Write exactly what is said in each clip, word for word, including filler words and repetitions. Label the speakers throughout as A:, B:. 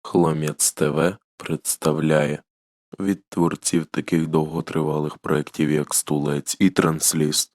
A: Хломець ТВ представляє від творців таких довготривалих проєктів, як «Стулець» і «Трансліст».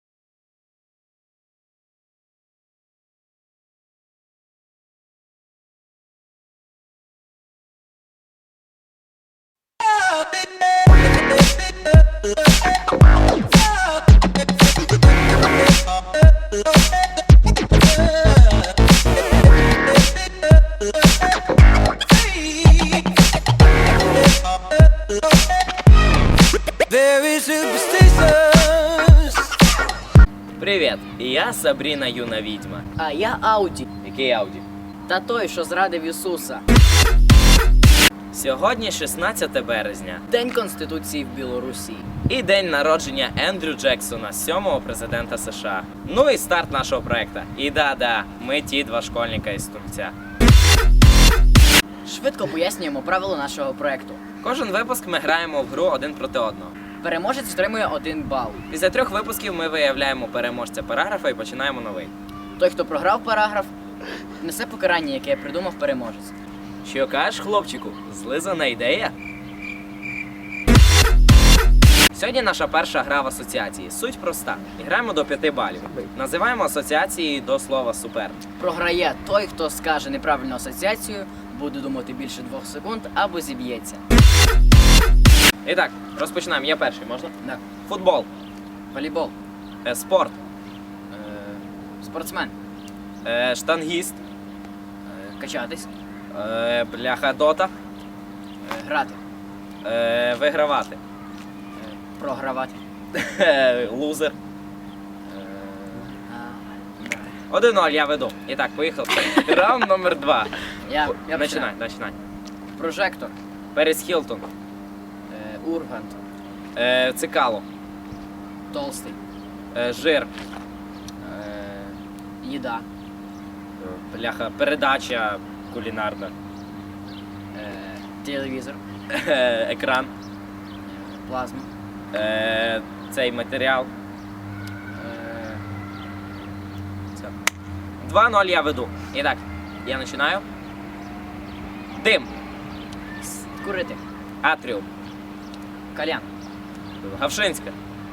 B: Very superstitious.
C: Привіт, я Сабріна юна відьма.
D: А я Ауді.
C: Який Ауді?
D: Та той, що зрадив Ісуса.
C: Сьогодні шістнадцяте березня.
D: День Конституції в Білорусі.
C: І день народження Ендрю Джексона, сьомого президента США. Ну і старт нашого проекту. І да-да, ми ті два школьника із Турця.
D: Швидко пояснюємо правила нашого проекту.
C: Кожен випуск ми граємо в гру один проти одного.
D: Переможець отримує один бал.
C: Після трьох випусків ми виявляємо переможця параграфа і починаємо новий.
D: Той, хто програв параграф, несе покарання, яке придумав переможець.
C: Що кажеш, хлопчику? Злизана ідея? Сьогодні наша перша гра в асоціації. Суть проста. Граємо до п'яти балів. Називаємо асоціації до слова «супер».
D: Програє той, хто скаже неправильну асоціацію, буде думати більше двох секунд або зіб'ється.
C: І так, розпочинаємо. Я перший, можна?
D: Так.
C: Футбол.
D: Волейбол.
C: Е, спорт.
D: Е, спортсмен.
C: Е, штангіст.
D: Е, качатись.
C: Е, бляха дота.
D: Е, грати.
C: Е, вигравати.
D: Е, програвати.
C: Е, лузер.
D: Е, а, да.
C: один-ноль, я веду. І так, поїхали. Раунд номер два.
D: Я, я
C: Починай,
D: починаю.
C: починай.
D: Прожектор.
C: Перес Хілтон.
D: Е, Ургант.
C: Е, цикало.
D: Толстий.
C: Е, жир.
D: Е, їда.
C: Бляха, передача кулінарна.
D: Е, телевізор.
C: Е, екран.
D: Плазма.
C: Е, цей матеріал.
D: Е,
C: Все. два-ноль я веду. І так, я починаю. Дим.
D: с- курити.
C: Атріум.
D: Кальян.
C: Гавшинська.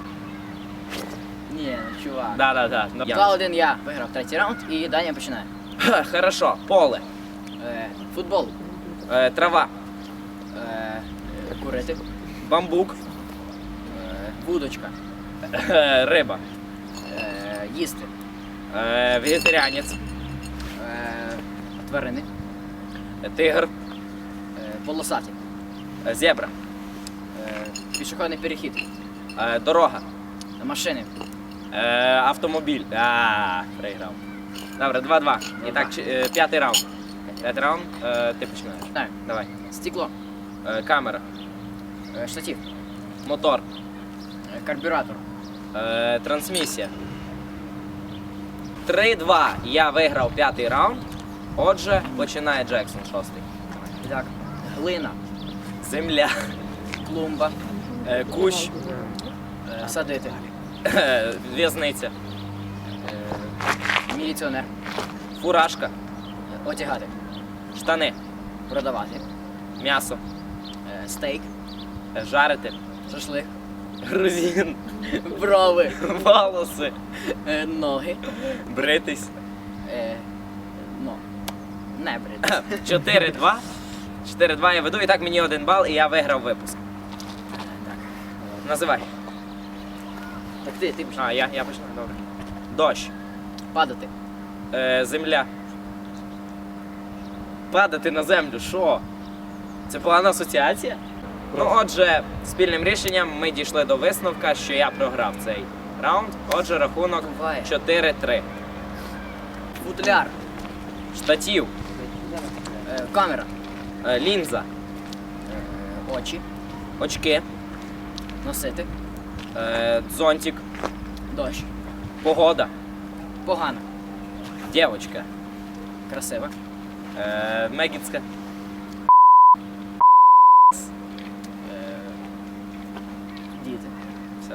D: Ні, чувак.
C: Да-да-да. Я-
D: два-один я виграв третій раунд і Даня починає.
C: Ха, хорошо. Поле.
D: Е, футбол.
C: Е, трава.
D: Е, курити.
C: Бамбук.
D: Е, вудочка.
C: Е, риба.
D: Е, їсти.
C: Е, вегетаріанець.
D: Е, тварини.
C: Е, тигр.
D: Е, полосаті.
C: Е, зебра.
D: Е, пішохідний перехід.
C: Е, дорога.
D: Машини.
C: Е, автомобіль. А, проіграв. Добре, два-два. І так, чи- е, п'ятий раунд. П'ятий раунд, е, ти починаєш.
D: Так.
C: Давай.
D: Стекло.
C: Е, камера.
D: Е, штатив.
C: Мотор.
D: Е, карбюратор.
C: Е, трансмісія. три-два. Я виграв п'ятий раунд. Отже, починає Джексон шостий.
D: І так. Глина.
C: Земля.
D: Клумба.
C: Е, кущ.
D: Е, садити.
C: Е, в'язниця.
D: Е, міліціонер.
C: Фуражка.
D: Е, одягати.
C: Штани.
D: Продавати.
C: М'ясо.
D: Е, стейк.
C: Е, жарити.
D: Шашлик.
C: Грузин.
D: Брови.
C: Волоси.
D: Е, ноги.
C: Бритись.
D: Е, ну, не брити.
C: чотири-два. чотири-два я веду, і так мені один бал, і я виграв випуск.
D: Так.
C: Називай.
D: Так ти, ти починай.
C: А, я, я почну, добре. Дощ.
D: Падати.
C: Е, земля. Падати на землю, що? Це погана асоціація? Ну, отже, спільним рішенням ми дійшли до висновка, що я програв цей раунд. Отже, рахунок
D: Буває.
C: чотири-три.
D: Футляр.
C: Штатів.
D: Е, камера.
C: Е, лінза.
D: Е, очі.
C: Очки.
D: Носити.
C: Е, зонтик.
D: Дощ.
C: Погода.
D: Погано.
C: Дівочка.
D: Красиво.
C: Е, Мегіцька.
D: Е, діти.
C: Все.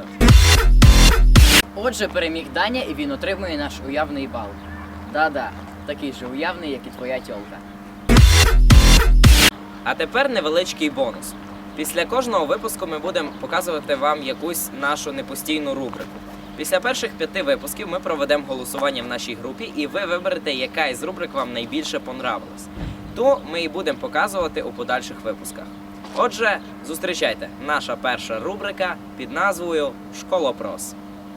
D: Отже, переміг Даня і він отримує наш уявний бал. Да-да, такий же уявний, як і твоя тьолка.
C: А тепер невеличкий бонус. Після кожного випуску ми будемо показувати вам якусь нашу непостійну рубрику. Після перших п'яти випусків ми проведемо голосування в нашій групі, і ви виберете, яка із рубрик вам найбільше понравилась. Ту ми і будемо показувати у подальших випусках. Отже, зустрічайте, наша перша рубрика під назвою «Школопрос».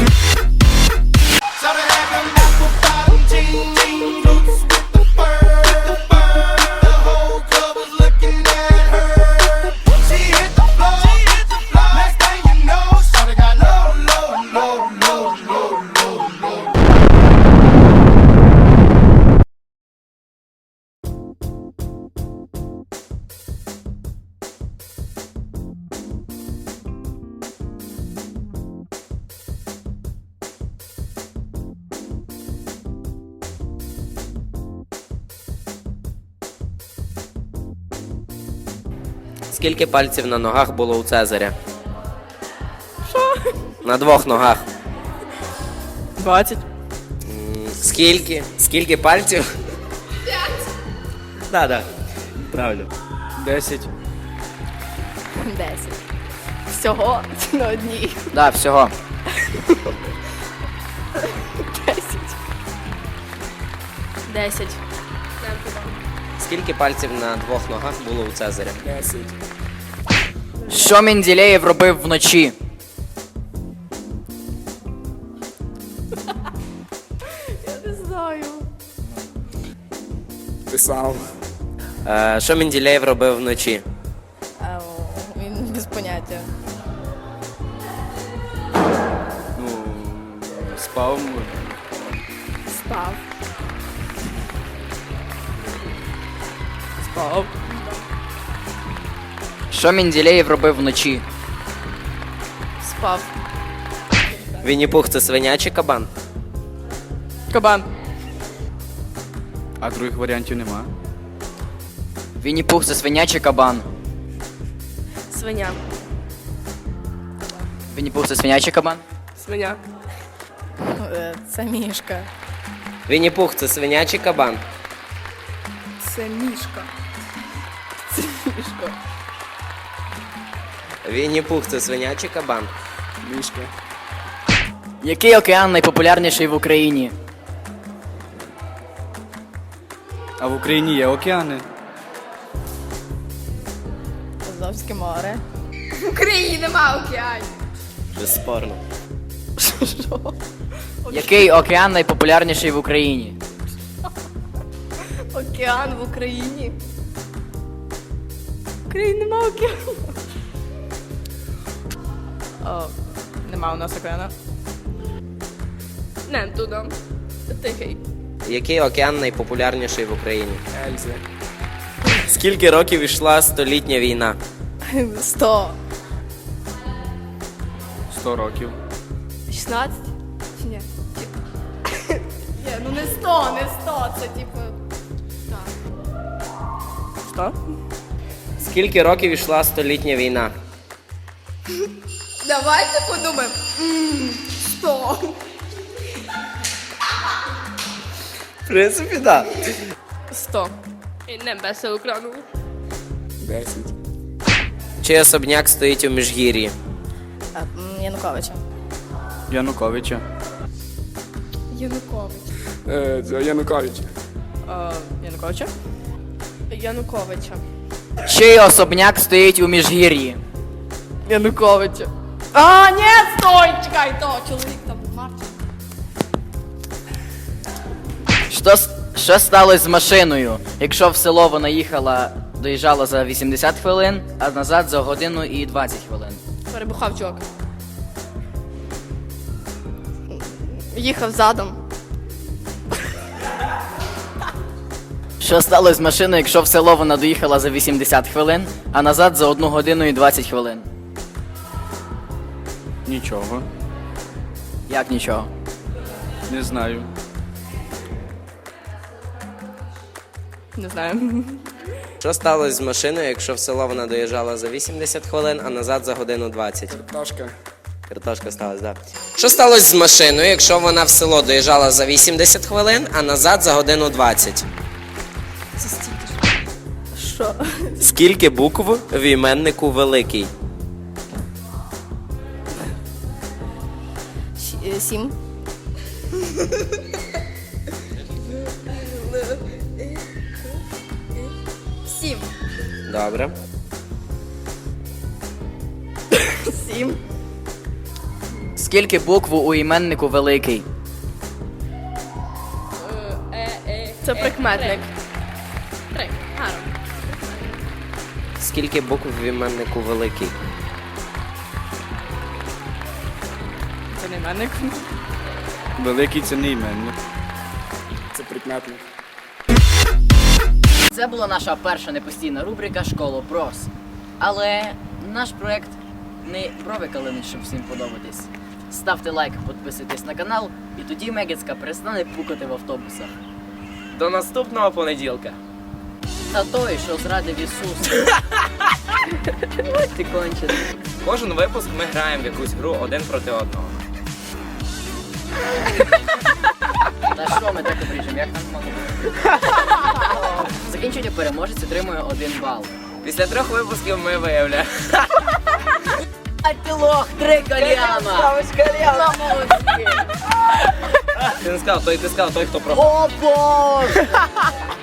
C: Скільки пальців на ногах було у Цезаря? Що? На двох ногах.
E: двадцять.
C: Скільки? Скільки пальців? П'ять. Так, так. Правильно.
E: десять.
F: Десять. Всього на одній.
D: Да, всього.
F: Десять. Десять.
C: Скільки пальців на двох ногах було у Цезаря?
E: десять.
D: Що Менделєєв робив вночі?
F: Я не знаю.
E: Писав.
C: Е, що Менделєєв робив вночі?
F: А, о, він без поняття.
E: Ну, спав.
F: Спав.
E: Спав.
D: Що Менделєєв робив вночі?
F: Спав.
C: Вінні-Пух – це свиня чи кабан?
E: Кабан. А других варіантів нема.
D: Вінні-Пух – це свиня чи кабан?
F: Свиня.
D: Вінні-Пух – це свиня чи кабан?
E: Свиня.
F: Е, Це мішка.
C: Вінні-Пух – це свиня чи кабан?
F: Це мішка. Це мішка.
C: Вінні-Пух – це свиня чи кабан?
E: Мішка.
D: Який океан найпопулярніший в Україні?
E: А в Україні є океани.
F: Азовське море.
G: В Україні нема океанів.
C: Безспорно.
F: Що?
D: Який океан найпопулярніший в Україні?
F: Океан в Україні. В Україні нема океану. О, нема у нас океану.
G: Не туди. Тихий.
C: Який океан найпопулярніший в Україні?
E: Ельзи.
C: Скільки років йшла столітня війна?
F: Сто.
E: Сто років.
G: шістнадцять? Чи ні? Ні, ну не сто, не сто, це типу. Так.
F: Що?
C: Скільки років йшла столітня війна?
G: Давайте подумаємо. М, Сто.
C: В принципі, так.
F: Сто.
G: І не без екрану.
E: Десять.
C: Чий особняк стоїть у Міжгір'ї?
F: А, м, Януковича.
E: Януковича.
G: Янукович.
E: Е, це Янукович.
F: А, Януковича?
G: Януковича.
D: Чий особняк стоїть у Міжгір'ї?
F: Януковича.
G: А, ні, стой, чекай, то чоловік там Марчин.
D: Що, с- що сталося з машиною, якщо в село вона їхала, доїжджала за вісімдесят хвилин, а назад за годину і двадцять хвилин?
G: Перебухав чувак. Їхав задом.
D: Що сталося з машиною, якщо в село вона доїхала за вісімдесят хвилин, а назад за одну годину і двадцять хвилин?
E: Нічого.
D: Як нічого?
E: Не знаю.
F: Не знаю.
C: Що сталося з машиною, якщо в село вона доїжджала за вісімдесят хвилин, а назад за годину двадцять?
E: Картошка.
C: Картошка сталася, так. Що сталося з машиною, якщо вона в село доїжджала за вісімдесят хвилин, а назад за годину двадцять?
F: Що?
C: Скільки букв в іменнику великий?
F: Щ- е, Сім. Сім.
C: Добре.
F: Сім.
D: Скільки букв у іменнику великий?
F: Це прикметник. Три. Гарно.
C: Скільки букв в іменнику великий?
F: Це не іменник.
E: Великий це не іменник. Це прикметник.
D: Це була наша перша непостійна рубрика «Школа Прос». Але наш проект не про викалини, щоб всім подобатись. Ставте лайк, підписуйтесь на канал, і тоді Мегицька перестане пукати в автобусах.
C: До наступного понеділка.
D: Та той, що зрадив Ісус. Ось ти кончений.
C: Кожен випуск ми граємо в якусь гру один проти одного.
D: Та що ми так обріжемо, як нам могло бути? Закінчення переможець отримує один бал.
C: Після трьох випусків ми виявляємо.
D: А ти лох, три кальяна! Ставиш кальяна!
C: Ти не сказав, той ти сказав, той, хто програв.
D: О боже!